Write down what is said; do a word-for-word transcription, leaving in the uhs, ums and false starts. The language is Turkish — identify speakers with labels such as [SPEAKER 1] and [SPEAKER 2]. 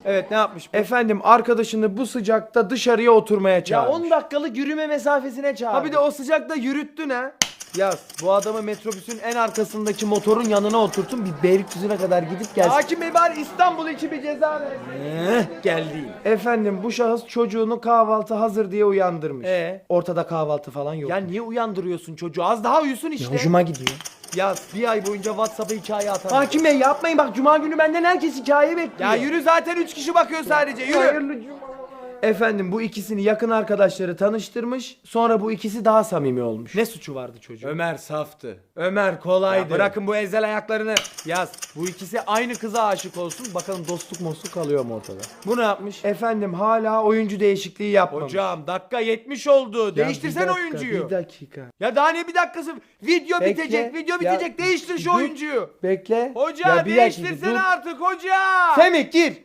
[SPEAKER 1] Evet, ne yapmış bu?
[SPEAKER 2] Efendim arkadaşını bu sıcakta dışarıya oturmaya
[SPEAKER 1] Ya
[SPEAKER 2] çağırmış.
[SPEAKER 1] on dakikalık yürüme mesafesine çağır.
[SPEAKER 2] Ha bir de o sıcakta yürüttün ha. Yaz. Bu adamı metrobüsün en arkasındaki motorun yanına oturtun. Bir Beylikdüzü'ne kadar gidip gelsin.
[SPEAKER 1] Hakim Bey bari İstanbul için bir ceza ver.
[SPEAKER 2] Eh, geldi. Efendim bu şahıs çocuğunu kahvaltı hazır diye uyandırmış.
[SPEAKER 1] Ee?
[SPEAKER 2] Ortada kahvaltı falan yok.
[SPEAKER 1] Ya niye uyandırıyorsun çocuğu? Az daha uyusun işte.
[SPEAKER 2] hoşuma gidiyor.
[SPEAKER 1] Yaz bir ay boyunca WhatsApp'a hikaye atar.
[SPEAKER 2] Hakim Bey yapmayın bak cuma günü benden herkes hikaye bekliyor.
[SPEAKER 1] Ya yürü zaten üç kişi bakıyor sadece yürü.
[SPEAKER 2] Hayırlı cuma. Efendim bu ikisini yakın arkadaşları tanıştırmış. Sonra bu ikisi daha samimi olmuş. Ne suçu vardı çocuğun?
[SPEAKER 1] Ömer saftı.
[SPEAKER 2] Ömer kolaydı.
[SPEAKER 1] Ya bırakın bu ezel ayaklarını.
[SPEAKER 2] Yaz.
[SPEAKER 1] Bu ikisi aynı kıza aşık olsun.
[SPEAKER 2] Bakalım dostluk mosluk kalıyor mu ortada? Bu ne yapmış? Efendim hala oyuncu değişikliği yapmamış.
[SPEAKER 1] Hocam dakika yetmiş oldu.
[SPEAKER 2] Ya
[SPEAKER 1] Değiştirsen
[SPEAKER 2] bir dakika,
[SPEAKER 1] oyuncuyu.
[SPEAKER 2] Bir dakika.
[SPEAKER 1] Ya daha ne bir dakikası? Video
[SPEAKER 2] Bekle.
[SPEAKER 1] bitecek. Video
[SPEAKER 2] Ya,
[SPEAKER 1] bitecek. Değiştir şu
[SPEAKER 2] dur.
[SPEAKER 1] oyuncuyu.
[SPEAKER 2] Bekle.
[SPEAKER 1] Hoca
[SPEAKER 2] Ya bir dakika,
[SPEAKER 1] değiştirsene
[SPEAKER 2] dur.
[SPEAKER 1] artık hoca.
[SPEAKER 2] Semih gir.